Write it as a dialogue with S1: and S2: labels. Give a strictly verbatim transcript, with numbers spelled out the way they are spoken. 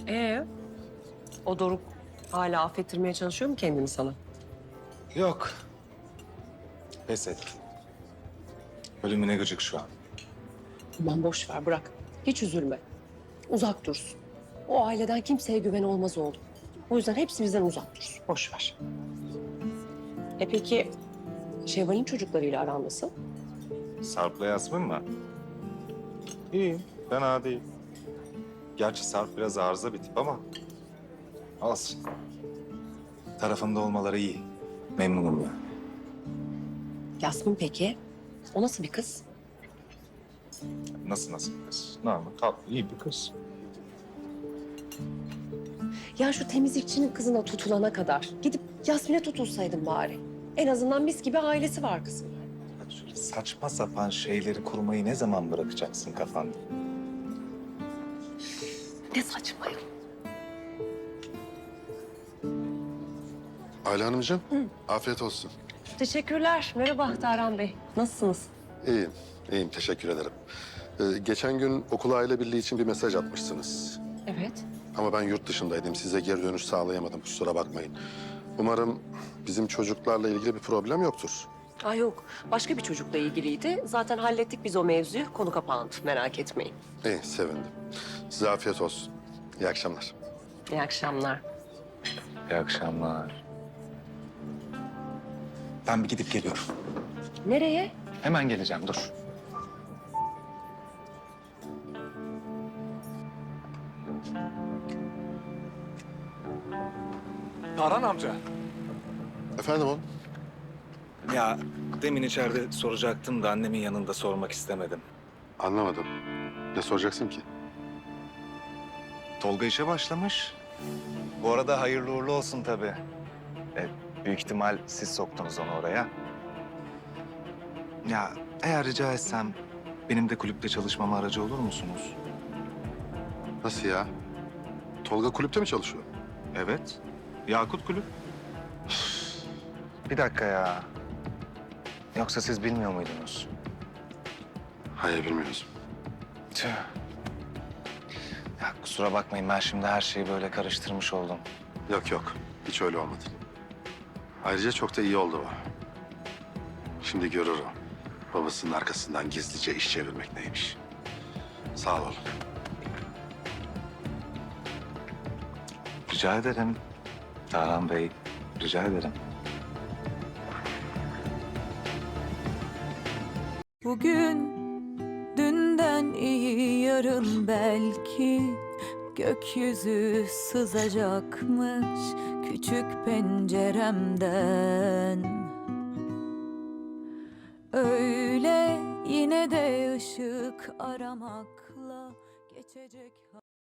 S1: Ee, o Doruk hala affettirmeye çalışıyor mu kendini sana?
S2: Yok. Pes etti. Ölümüne gıcık şu an.
S1: Aman boş ver, bırak. Hiç üzülme. Uzak dursun. O aileden kimseye güven olmaz oğlum. O yüzden hepsi bizden uzak dursun. Boş ver. E peki Şevval'in çocuklarıyla aran nasıl?
S2: Sarp'la Yasmin mi? İyi, fena değil. Gerçi Sarp biraz arıza bir tip ama olsun. Tarafımda olmaları iyi. Memnunum ben.
S1: Yasmin peki? O nasıl bir kız?
S2: Nasıl nasıl bir kız? Normal, tatlı, iyi bir kız.
S1: Ya şu temizlikçinin kızına tutulana kadar gidip Yasmin'e tutulsaydın bari. En azından mis gibi ailesi var kızın.
S2: Hadi şöyle saçma sapan şeyleri kurmayı ne zaman bırakacaksın kafanda?
S1: Ne saçma ya.
S3: Ayla Hanımcığım, afiyet olsun.
S1: Teşekkürler. Merhaba Tarhan Bey. Nasılsınız?
S3: İyiyim, iyiyim. Teşekkür ederim. Ee, geçen gün okul aile birliği için bir mesaj atmışsınız.
S1: Evet.
S3: Ama ben yurt dışındaydım. Size geri dönüş sağlayamadım. Kusura bakmayın. Umarım bizim çocuklarla ilgili bir problem yoktur.
S1: Aa yok. Başka bir çocukla ilgiliydi. Zaten hallettik biz o mevzuyu. Konu kapandı. Merak etmeyin.
S3: İyi, sevindim. Size afiyet olsun. İyi akşamlar.
S1: İyi akşamlar.
S2: İyi akşamlar. Ben bir gidip geliyorum.
S1: Nereye?
S2: Hemen geleceğim, dur. Tarhan amca.
S3: Efendim oğlum?
S2: Ya demin içeride soracaktım da annemin yanında sormak istemedim.
S3: Anlamadım. Ne soracaksın ki?
S2: Tolga işe başlamış. Bu arada hayırlı uğurlu olsun tabii. E, büyük ihtimal siz soktunuz onu oraya. Ya eğer rica etsem benim de kulüpte çalışmama aracı olur musunuz?
S3: Nasıl ya? Tolga kulüpte mi çalışıyor?
S2: Evet. Yakut Kulüp. Bir dakika ya. Yoksa siz bilmiyor muydunuz?
S3: Hayır, bilmiyoruz.
S2: Tüh. Ya kusura bakmayın, ben şimdi her şeyi böyle karıştırmış oldum.
S3: Yok yok, hiç öyle olmadı. Ayrıca çok da iyi oldu bu. Şimdi görür o. Babasının arkasından gizlice iş çevirmek neymiş. Sağ ol.
S2: Rica ederim. Tarhan Bey, rica ederim.
S4: Bugün dünden iyi yarın belki gökyüzü sızacakmış küçük penceremden. Öyle yine de ışık aramakla geçecek.